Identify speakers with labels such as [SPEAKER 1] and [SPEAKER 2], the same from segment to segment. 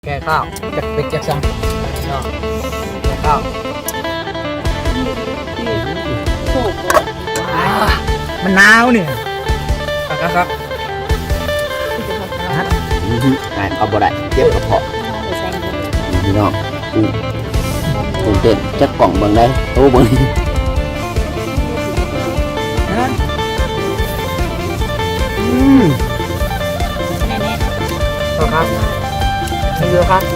[SPEAKER 1] แกข้าวจากเป็กจากซังเนาะแกข้าวมันหนาวเนี่ยครับ
[SPEAKER 2] อ่านเอาบ่ได้เจ็บกระเพาะพี่น้องกุ้งเต้นจักกล่องเบิ่งได้โตเบิ่ง
[SPEAKER 1] ครับเยอะครับ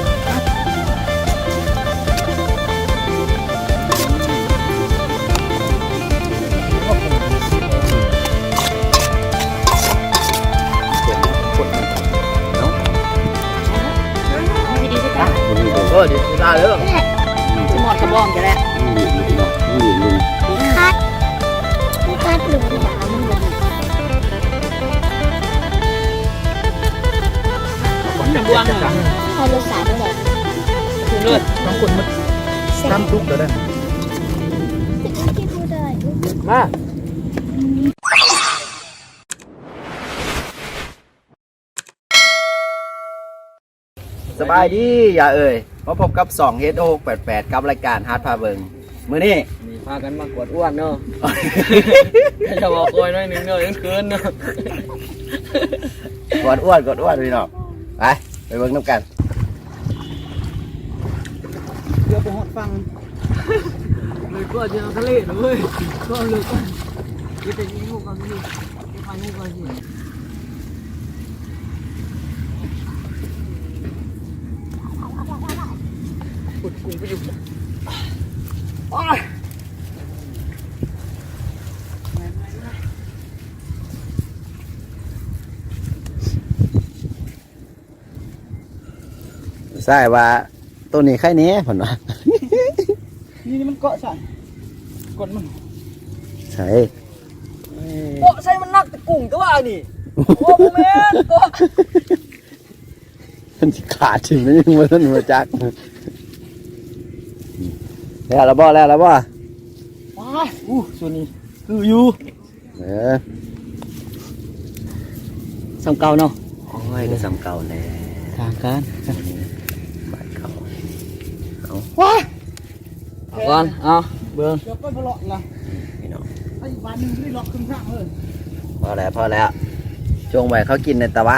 [SPEAKER 1] โอ้ดีตาเลย
[SPEAKER 3] จะหมดกระบอกจะแล้วคัดหรือด่ามึงเลย
[SPEAKER 1] บวง
[SPEAKER 3] ใครรู้สาด้วยเลย
[SPEAKER 1] คุณเลิศต้องคุณมันทำทุกข์เลยมา
[SPEAKER 2] สบายดีอย่าเอ่ยมาพบกับ2 H688 กับรายการฮาร์ดพาเบิงมื้อนี้
[SPEAKER 1] มีพากันมากดอ้วนเนาะจะบอกโอยน้อยนึงเนาะยังคืนเนาะ
[SPEAKER 2] กดอ้วนพี่น้องไปเบิ่งน้ำกัน
[SPEAKER 1] เดี๋ยวไปหอดฟังเลยก็จะทะเลนะเว้ยก็เลยก็จะเป็นยิงลูกกันนี่จะไปลูกกันสิขุดกุ้งไปอยู่
[SPEAKER 2] ใช่ว่าตัวนี้ใครนี้ผลวะ
[SPEAKER 1] นี่มันเกาะใส่กดมัน
[SPEAKER 2] ใช่
[SPEAKER 1] เกาะใส่มันนักแต่กุ้งก็ว่านี่โอ้แม่เกาะ
[SPEAKER 2] มันขาดถึงนี่มันมาจักแล้วบ่ว้า
[SPEAKER 1] ส่วนนี้คืออยู่สำเก่าเนาะ
[SPEAKER 2] โอ้ยก็สำเก่าแน่
[SPEAKER 1] ทางการ
[SPEAKER 2] บ้านเขา
[SPEAKER 1] เอาก่อนเอาเบิ่งเดี๋ยวก็พอเลาะนะ
[SPEAKER 2] พี่น้อง
[SPEAKER 1] ไอ้บ้านนึงนี่เลาะครึ่งข้างเลย
[SPEAKER 2] พอแล้วช่วงใหม่เขากินในตะวะ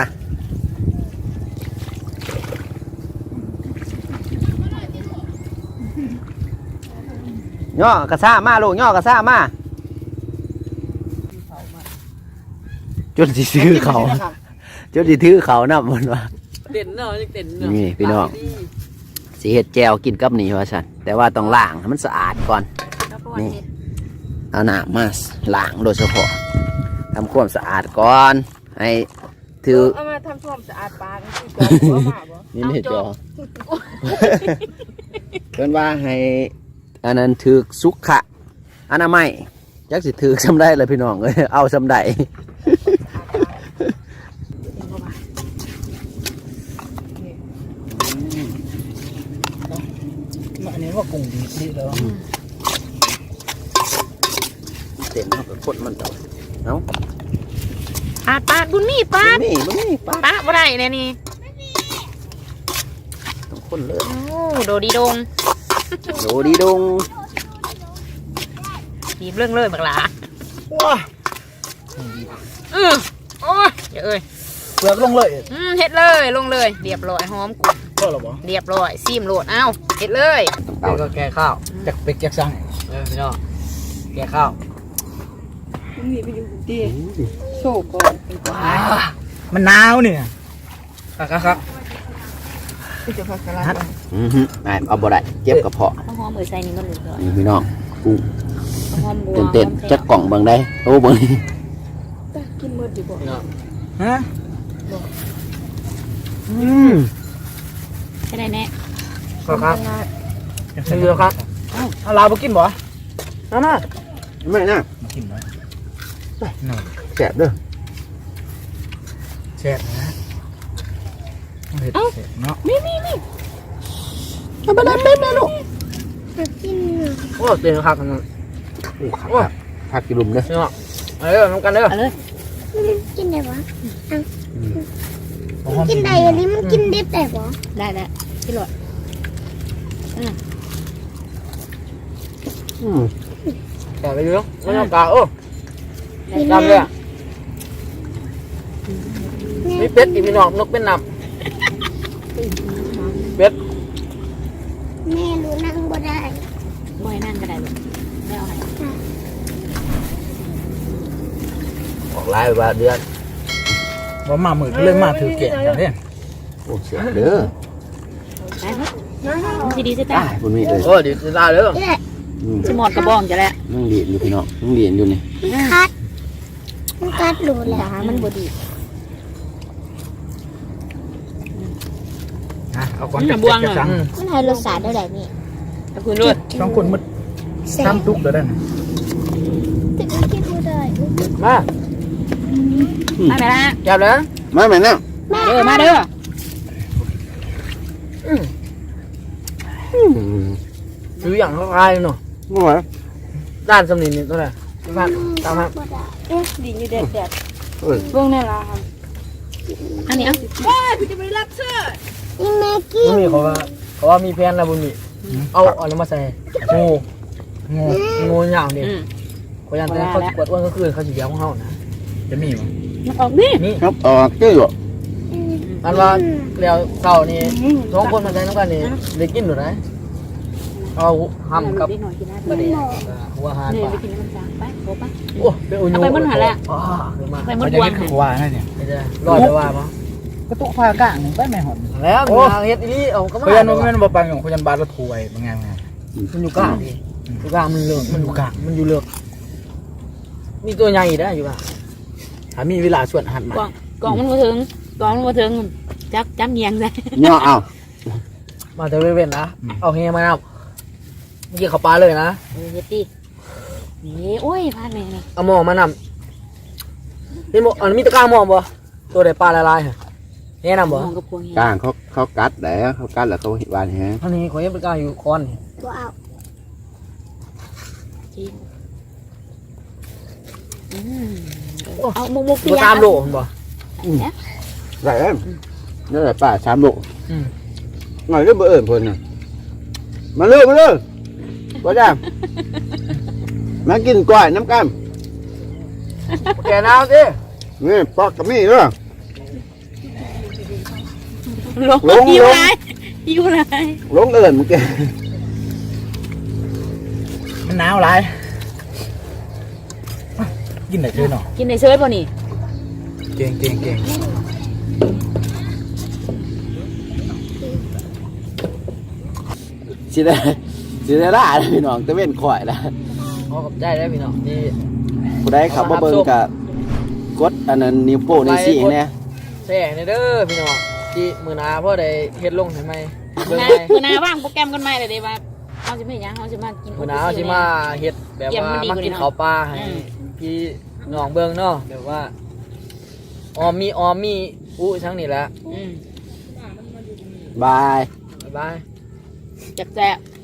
[SPEAKER 2] ย่อกระซ่ามาลูกย่อกระซ่ามาจนสิซื้อเขาจนสิถือเขานับมันวะ
[SPEAKER 1] เด่นเนาะยังเด่นเนาะ
[SPEAKER 2] นี่พี่น้องสีเห็ดแจวกินกับนี่ว่าสันแต่ว่าต้องล้างให้มันสะอาดก่อนนี่เอาหน้ามาล้างโดยเฉพาะทำความสะอาดก่อนให้ถือ
[SPEAKER 3] เอามาทำความสะอาดปลา
[SPEAKER 2] นี่ไม่จอเพื่อนว่าให้อันนั้นถือสุขะอนามัยยักสิถือซ้ำได้เลยพี่น้องเลยเอาซ้ำได้
[SPEAKER 1] อันนี้ว่ากุ้งดีแล้ว
[SPEAKER 2] เต็มเอาไปพ่นมันเต่าเอา
[SPEAKER 3] ปาดบุญมีปาด
[SPEAKER 2] ปาด
[SPEAKER 3] บ่ได้เนี่ยนี่
[SPEAKER 2] ต้องพ่นเลย
[SPEAKER 3] โอ้โดดีดงบีบเรื่องเลยบักหลา
[SPEAKER 1] ว้า
[SPEAKER 3] โอ้ยเดี๋ยว
[SPEAKER 1] เปลือกลงเลย
[SPEAKER 3] เฮ็ดเลยลงเลยเรียบร้อยหอมกุ้ง
[SPEAKER 1] ก็หรอบ่
[SPEAKER 3] เรียบร้อยซีมโหลดเอ้าเฮ็ดเลย
[SPEAKER 1] ก็แกข้าวจากเป็กจากซังพี่น้องแกข้าว
[SPEAKER 3] นี่ไปอยู่ดีโชว์ก่อน
[SPEAKER 1] มันหนาวเนี่ยครับ
[SPEAKER 3] จะพักกะลา
[SPEAKER 2] เอาบ่ได้เจ็บกระเพาะ
[SPEAKER 3] หอมใส่นี่มันเหลือ
[SPEAKER 2] พี่น้องกุ้งเต้นจักกล่องเบิ่งได้โตเบิ่ง
[SPEAKER 3] กินหมดดีบ่
[SPEAKER 1] ฮะ
[SPEAKER 3] แค่ไหนแน่
[SPEAKER 1] ครับเรือครับเอาลาไปกินบ่น่า
[SPEAKER 2] ไม่น่า
[SPEAKER 1] กินไหม
[SPEAKER 2] แซ่บเด้อ
[SPEAKER 1] แซ่บนะเผ็ดเนาะ
[SPEAKER 3] นี่
[SPEAKER 2] เอาไปได้เป็นนะลูก
[SPEAKER 3] กิน
[SPEAKER 1] โอ้เต็มครับกัน
[SPEAKER 2] ผักกิลุมเด้อ
[SPEAKER 1] เนาะน้ำกันเด้อ
[SPEAKER 3] กินได้ปะกินได้อันนี้มันกินดิบได้ปะ
[SPEAKER 4] ได้แล้วพี่หลอด
[SPEAKER 1] แต่ไปเรื่องไม่ต้องกาโอ้จำเลยมีเป็ดอีกพี่น้องนกเป็นนำเป็ด
[SPEAKER 3] แม่รู้นั่งบ่ได้
[SPEAKER 4] บ่อยนั่นก็ได้ลูกได้เอาไหน
[SPEAKER 2] ออกไล่ว่าเดือน
[SPEAKER 1] ว่ามาหมื่นเลยมาถือเก่งกันเนี่ย
[SPEAKER 2] โอ้เสียเด้อ
[SPEAKER 4] ได้ครับทีดีสิ
[SPEAKER 2] ได้
[SPEAKER 4] จ้า
[SPEAKER 2] คุณมีเลย
[SPEAKER 1] โอ้ดีจะได้เลย
[SPEAKER 3] นี่แหละ
[SPEAKER 4] สมอดกระบองจะแล้ว
[SPEAKER 2] นั่งเรียนอยู่พี่น้องนั่งเรียนอยู่นี่
[SPEAKER 3] มันกัดหนูแหละ
[SPEAKER 4] มันบดี
[SPEAKER 1] เอาก่อนจะสั่ง
[SPEAKER 3] มันให้รสชาติได้ไหนนี่
[SPEAKER 4] ขอบคุณด้วย
[SPEAKER 1] สองคนมัน
[SPEAKER 3] แซ่บ
[SPEAKER 1] ซ้ำทุกเดี๋ยวได้
[SPEAKER 3] แต่ก็กินบ่ได้
[SPEAKER 1] มา
[SPEAKER 4] มาไหมล่ะ
[SPEAKER 1] จับแล้ว
[SPEAKER 2] มาแม่นั่ง
[SPEAKER 4] เด้อมาเด้อ
[SPEAKER 1] ซื้ออย่างละลายเนาะ
[SPEAKER 2] มาไหว
[SPEAKER 1] ด้านสำนีนี่ตัวไหนด้านตามครับ
[SPEAKER 3] บ่ได้
[SPEAKER 4] ดีอยู่เด็ดเด็ด
[SPEAKER 2] เอ้ย
[SPEAKER 4] เบื้องนี่ละครับอันนี้อ่ะ
[SPEAKER 3] นี่แม่กิน
[SPEAKER 1] บุญมีเขาว่ามีแพนแล้วบุญมีเอาอะไรมาใส่งูอย่างเดียวเขายันแต่เขาปวดอ้วนก็คือเขาสีเดียวของเขานะจะมีมั้ย
[SPEAKER 4] มันออกนี่
[SPEAKER 1] นี่
[SPEAKER 2] ครับออกเจ้าอยู่
[SPEAKER 1] อันว่าแล้วเก่านี่สองคนมาใช้น้ำกันนี่ได้กินหรือไงเอาห้ำกับ
[SPEAKER 4] นิดหน่อยกินได้
[SPEAKER 1] ประเดี๋ยวหัวหาน
[SPEAKER 4] เนี่ย
[SPEAKER 1] ปลา
[SPEAKER 4] ไปกินน้ำจางไปโอ้ปะ
[SPEAKER 1] โอ้เป็นอุญ
[SPEAKER 4] เอาไปมันหันแล้ว
[SPEAKER 1] อ๋อเดี๋ยวมา
[SPEAKER 4] ไปมดบวง
[SPEAKER 1] ว่าให้เนี่ยไม่ได้รอดจะว่ามั้ง
[SPEAKER 5] ก็ตุกผ้ากลางไปไม่หอน
[SPEAKER 1] แล้วมีทางเฮ็ดอีนี่เอาก็มา
[SPEAKER 5] เขายันมันบ่ปังของเขายันบาดละถวยเป็นไง
[SPEAKER 1] มันอยู่กลางดิอยู่กลางมันเลือกมันอยู่กลางมันอยู่เลือกมีตัวใหญ่ได้อยู่ป่ะถ้ามีเวลาส่วนหันมาก
[SPEAKER 4] ล่องมันมาถึงกล่องมันมาถึงจับเงียงเลย
[SPEAKER 2] ย่อเอา
[SPEAKER 1] มาเทเว่นนะเอาเฮียมาเอาเมื่อกี้เขาปลาเลยนะ
[SPEAKER 4] เฮ็ดดินี่โอ้ยพลาดไปนี่
[SPEAKER 1] เอาหม้อมานำนี่หม้ออันมีตะกร้าหม้อบ่ตัวใดปลาละลายฮะแนะนำบ่
[SPEAKER 4] มองกับพวงเฮีย
[SPEAKER 2] กลางเขากัดแล้วเขากัดแล้วเขาเห็นบานแฮะ
[SPEAKER 1] อันนี้ขอยังเป็นกลางอยู่คอนนี่
[SPEAKER 3] บ่เอา
[SPEAKER 4] จริงเอามุก
[SPEAKER 1] ตัวตามโลมันบ่
[SPEAKER 4] เนี่ย
[SPEAKER 2] ไรเอ้ยนี่แหละป้า3 โล
[SPEAKER 1] อืม
[SPEAKER 2] หน่อยเรื่องเบอร์เอิญเพิ่นน่ะมาเลยบ่จ้ามากินกล้วยน้ำกัน
[SPEAKER 1] แกน้ำสิ
[SPEAKER 2] นี่ปอกกับมีเด้อ
[SPEAKER 4] ลงอยู่ไรอยู่ไร
[SPEAKER 2] ลงเอิญเมื่อกี้
[SPEAKER 5] มันหนาวหลายกินได้เลยเนาะ
[SPEAKER 4] กินในเซยป่ะนี่
[SPEAKER 5] เก่ง
[SPEAKER 2] สิได้ล่าเลยพี่น้องตะเว้นข่อยแล้ว
[SPEAKER 1] ขอกับใจได้พี่น้องที่
[SPEAKER 2] ผู้ใดขับมาเบิ่งกับกดอันนั้นนิ้วโป้งนิ้วชี้เนี่ย
[SPEAKER 1] แสงในเด้อพี่น้องที่มือนาพ่อได้เฮ็ดลงให้ไหมเบิ่ง
[SPEAKER 4] นะ
[SPEAKER 1] ไหม
[SPEAKER 4] คือนาว่างโปรแกรมกันไหมเลยเดี๋ยวว่าเขาจะไม่ยังเขาจะมากิน
[SPEAKER 1] มือนาเอาสิมาเฮ็ดแบบว่ามากินข้าวปลาให้พี่น้องเบิ่งเนาะแบบว่าออมมีอู้ทั้งนี้แหละ
[SPEAKER 2] บาย
[SPEAKER 1] บ๊ายบาย
[SPEAKER 4] แซ่บ